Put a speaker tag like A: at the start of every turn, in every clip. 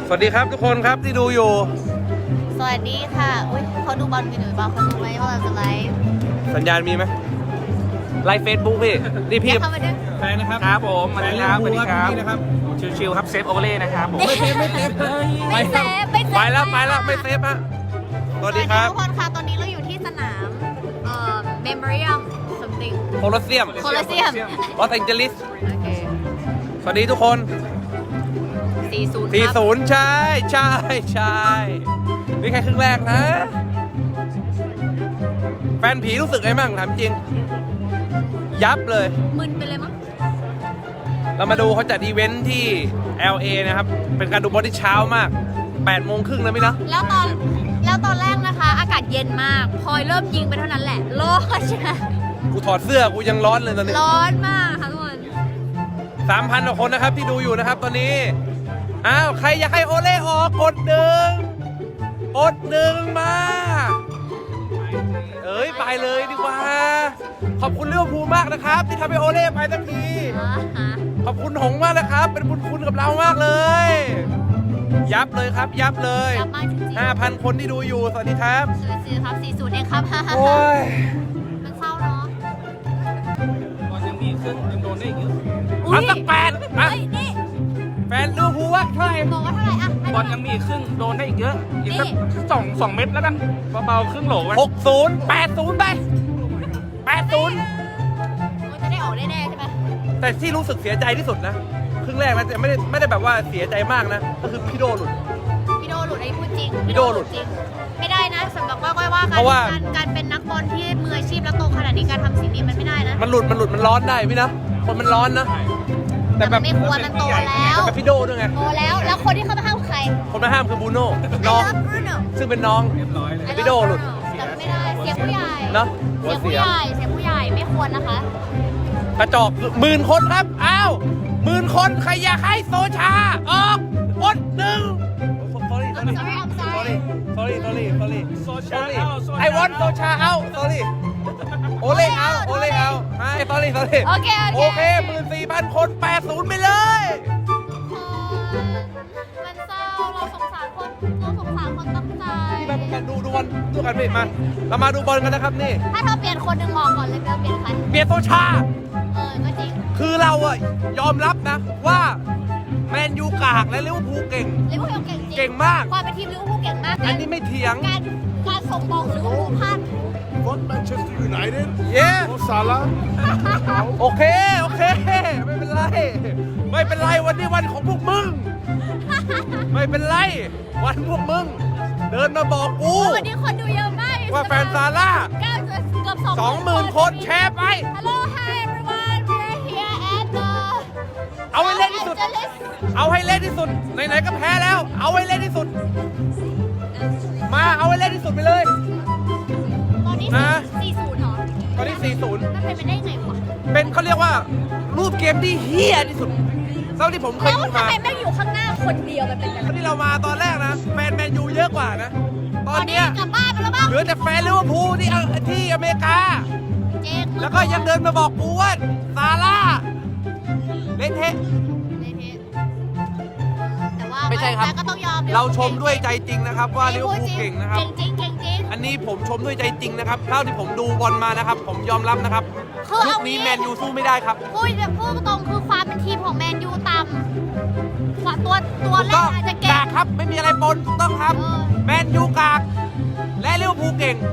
A: สวัสดีครับทุกคนครับที่ดูอยู่
B: สวัสดีค่ะอุ้ยเขาดูบอลกันอยู่หรือเปล่าเขาดูไหมว่าเราจะไลฟ์
A: สัญญาณมีไหมไลฟ์เฟซบุ๊กพี่นี่พี่
B: เข้ามาด้วย
A: แฟนนะครับ
C: ครับผมสวัสดีครับสวัสดีครับ
A: นี่นะครับ
C: ชิวๆครับเซฟโอเวอร์เล่นะครับผม
A: ไม่เซฟ
B: ไม่เซฟ
A: ไปแล้วไม่เซฟฮะสวัสดีครับ
B: ทุกคนค่ะตอนนี้เราอยู่ที่สนามเมมโมเรียม something
A: โคลอสเซียม
B: โคลอสเซียม
A: ลอสแองเจลิส
B: โอเค
A: สวัสดีทุกคน
B: 40ครับ
A: 40ใช่นี่แค่ครึ่งแรกนะแฟนผีรู้สึกไงบ้างถามจริงยับเลย
B: มึนไปเลยมั้ง
A: เรามาดูเขาจัดอีเวนท์ที่ LA นะครับเป็นการดูบอลที่เช้ามาก8 โมงครึ่งแล้วไหมนะ
B: แล้วตอนแรกนะคะอากาศเย็นมากพอเริ่มยิงไปเท่านั้นแหละร้อนใช่ไหม
A: กูถอดเสื้อกูยังร้อนเลยตอนนี้
B: ร้อนมากค่ะทุกคน
A: 3,000 กว่าคนนะครับที่ดูอยู่นะครับตอนนี้อ้าวใครอยากให้โอเล่ออกกด1มาเอ้ยไปเลยดีกว่าขอบคุณลิเวอร์พูลมากนะครับที่ทำให้โอเล่ไปสักทีขอบคุณหงมากนะครับเป็นบุญคุณกับเรามากเลยยับเลยครับยับเลย 5,000 คนที่ดูอยู่สวัสดีครับ
B: 40ครับ40เองครับ
A: โอ้ย
B: มันเศร้าเนาะ
C: บอลยังมีครึ่งยังโดนได้อีกเยอะ
A: เอาสัก8อ่ะ
B: นี่
A: แฟนลิเวอร์พูลว่าเท่าไหร่
B: บอกว่าเท่าไหร่อ่ะ
C: บอลยังมีครึ่งโดนได้อีกเยอะอีกสัก2 เม็ดแล้วกันเบาๆครึ่งโหลไว้
A: 60 80ไป80
B: มันจะได้ออกแน่ๆใช่ไหม
A: แต่ที่รู้สึกเสียใจที่สุดนะครึ่งแรกนะแต่ไม่ได้แบบว่าเสียใจมากนะก็คือพี่โดหลุด
B: ไอ้พูดจริง
A: พี่โดหลุด
B: จริงไม่ได้นะสำหรับว่าการเป็นนักบอลที่มืออาชีพแล้วโตขนาดนี้การทำสิ่งนี้มันไม่ได้นะ
A: มันหลุดมันร้อนได้พี่นะคนมันร้อนนะ
B: แต่แบบไม่ควรมันโตแล้ว
A: แบบพี่โดด้วยไง
B: โตแล้วคนที่เข้ามาห้ามใคร
A: คนมาห้ามคือบูโน่น้องซึ่งเป็นน้องพี่โดหลุด
B: แต่ไม่ได้เสียผู้ใหญ่
A: เนาะ
B: เสียผู้ใหญ่ไม่ควรนะคะ
A: กระจอก10,000 คนครับอ้าว10,000 คนใครอยากให้โซชาออกกดsorry I want โซชาเอา sorry โอเล่เอาให้ sorry
B: โอเค
A: 14,000 คน80ไปเลย
B: มันเศร้าเราสงสารคนตั้งใจ
A: ที่มาดูบอลด้วยกันพี่มาเรามาดูบอลกันนะครับนี่
B: ถ้าเธอเปลี่ยนคนหนึ่งบอกก่อนเลยเปลี่ยนใคร
A: เปลี่ยนโซชา
B: ก็จริง
A: คือเราอะยอมรับนะว่าแมนยูกากและลิเวอร์พูลเก่งเก่งมาก
B: ความเป็นทีมลิเวอร์พูลเก่งมาก
A: อันนี้ไม่เถียง
B: การส่งบอลลิเวอร์พูลพลาด
D: What Manchester United?
A: Yeah.
D: Mo Salah.
A: โอเคไม่เป็นไรวันนี้วันของพวกมึงไม่เป็นไรวันพวกมึงเดินมาบอกกู
B: วันนี้คนดูเยอะมาก
A: ว่าแฟนซาร่า
B: เกือบ
A: 20,000 คนแชร์ไป
B: Hello hi everyone we're here at the
A: เอาให้เล่นที่สุดไหนๆก็แพ้แล้วเอาให้เล่นที่สุดมาเอาให้เล่นที่สุดไปเลย
B: ตอนนี้40เหรอ
A: ตอนนี้40
B: มันเป็นไปได้ไงวะ
A: เป็นเขาเรียกว่ารูปเกมที่เฮี้ยที่สุดเท่าที่ผมเคยดูมา
B: แล้วทำไมแม่งอยู่ข้างหน้าคนเดียวมันเป็นอะไร
A: ที่เรามาตอนแรกนะแฟนแมนยูเยอะกว่านะตอนนี้
B: กลับบ้านไปแล้วบ้าง
A: เหลือแต่แฟนลิเวอร์พูลที่อเมริกาแล้วก็ยังเดินมาบอกกูว่าซาร่าเล่นเทะไม่ใช่ครับเราชมด้วยใจจริงนะครับว่าลิเวอร์พูลเก่งนะครับ
B: เก่ง
A: อันนี้ผมชมด้วยใจจริงนะครับเท่าที่ผมดูบอลมานะครับผมยอมรับนะครับลูกนี้แมนยูสู้ไม่ได้ครับ
B: พูดตรงคือความเป็นทีมของแมนยูต่ำตัวแรกอาจจะเก่ง
A: ครับไม่มีอะไรปนถูกต้องครับแมนยูกากและลิเวอร์พูลเก่ง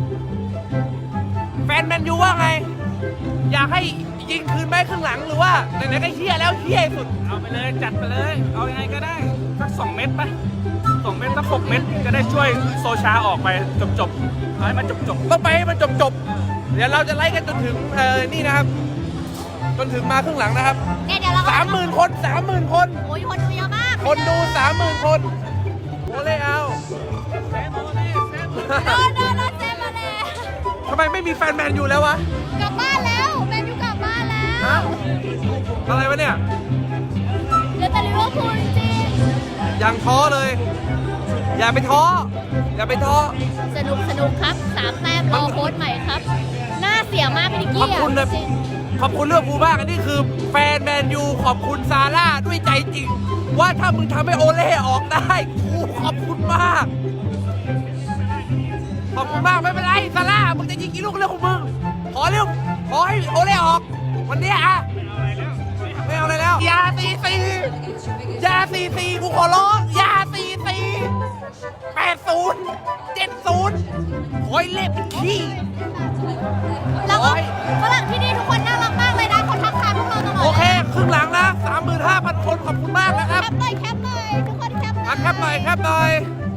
A: แฟนแมนยูว่าไงอยากให้ยิงคืนไปครึ่งหลังหรือว่าไหนๆก็เฮี้ยแล้วเฮี้ยสุด
C: เอาไปเลยจัดไปเลยเอายังไงก็ได้สัก2 เม็ดไป2 เม็ดสัก6 เม็ดจะได้ช่วยโซชาออกไปจบเอาให้มันจบ
A: ต้องไปให้มันจบเดี๋ยวเราจะไล่กันจนถึงนี่นะครับจนถึงมาครึ่งหลังนะครับ
B: เนี่ยเดี๋ยวเรา
A: 30,000 คน
B: โอ้ยคนดูเยอะมาก
A: คนดู 30,000 คนโอเล่เอา
B: เซฟมาเลย
A: ทำไมไม่มีแฟนแมนยูแล้ววะ
B: กลับบ้านแล้วแมนยูกลับบ้านแล้ว
A: อะไรวะเนี่ย
B: เหลือแต่ลิเวอร์พูลจริง
A: ยังท้อเลยอย่าไปท้อ
B: สนุกครับ3 แต้มรอโค้ชใหม่ครับน่าเสียมากพี่นิกกี้
A: ขอบคุณเรื่องภูมากอันนี้คือแฟนแมนยูขอบคุณซาร่าด้วยใจจริง ว่าถ้ามึงทำให้โอเล่ออกได้กูขอบคุณมาก ขอบคุณมากไม่เป็นไรซาร่ามึงจะยิงกี่ลูกเรื่องของมึงขอให้โอเล่ออกวันนี้อะไม่เอาอะไรแล้วอย่าตีกูขอร้องอย่าตี80 70ขอให้เล่เป็นขี้
B: แล้วก็ฝรั่งที่นี่ทุกคนน่ารักมากเลยนะเขาทักทายพวกเราตลอด
A: โอเคครึ่งหลังนะ 35,000 คนขอบคุณมากนะครับ
B: แคปหน่อยทุกคนแคปหน่อย
A: แคปหน่อย